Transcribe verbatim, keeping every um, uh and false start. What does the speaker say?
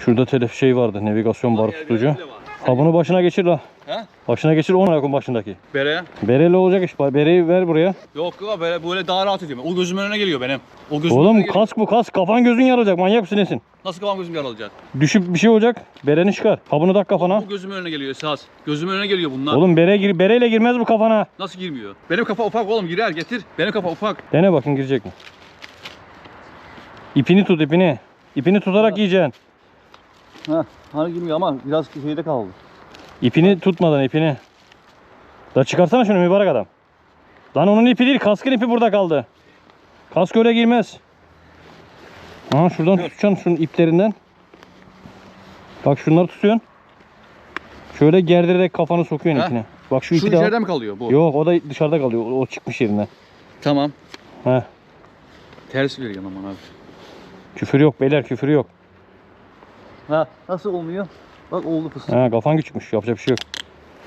Şurada telef şey vardı, navigasyon barı tutucu. Ha bunu başına geçir la. He? Başına geçir onu yakın başındaki. Bere. Bereli olacak iş. Bereyi ver buraya. Yok yok böyle, böyle daha rahat ediyorum. O gözümün önüne geliyor benim. O gözümün Oğlum önüne geliyor. kask bu kask. Kafan gözün yarılacak. Manyak mısın nesin? Nasıl kafam gözüm yaralayacak? Düşüp bir şey olacak. Bereni çıkar. Kabını tak kafana. Bu gözümün önüne geliyor esas. Gözümün önüne geliyor bunlar. Oğlum bere gir, bereyle girmez bu kafana. Nasıl girmiyor? Benim kafa ufak oğlum, girer getir. Benim kafa ufak. Dene bakın girecek mi? İpini tut ipini. İpini tutarak Ha. giyeceksin. Ha, hani girmiyor ama biraz şeyde kaldı. İpini tutmadan ipini. Da çıkarsana şunu mübarek adam. Lan onun ipi değil, kaskın ipi burada kaldı. Kask öyle girmez. Ha şuradan tutacaksın şunun iplerinden. Bak şunları tutuyorsun. Şöyle gerdirerek kafanı sokuyorsun Ha? ipine. Bak şu Şu ipi de al. içeride mi kalıyor bu? Yok o da dışarıda kalıyor. O, o çıkmış yerinden. Tamam. Heh. Ters veriyor aman abi. Küfür yok beyler, küfür yok. Ha, nasıl olmuyor? Bak oldu fıstık. Ha kafan küçükmüş, yapacak bir şey yok.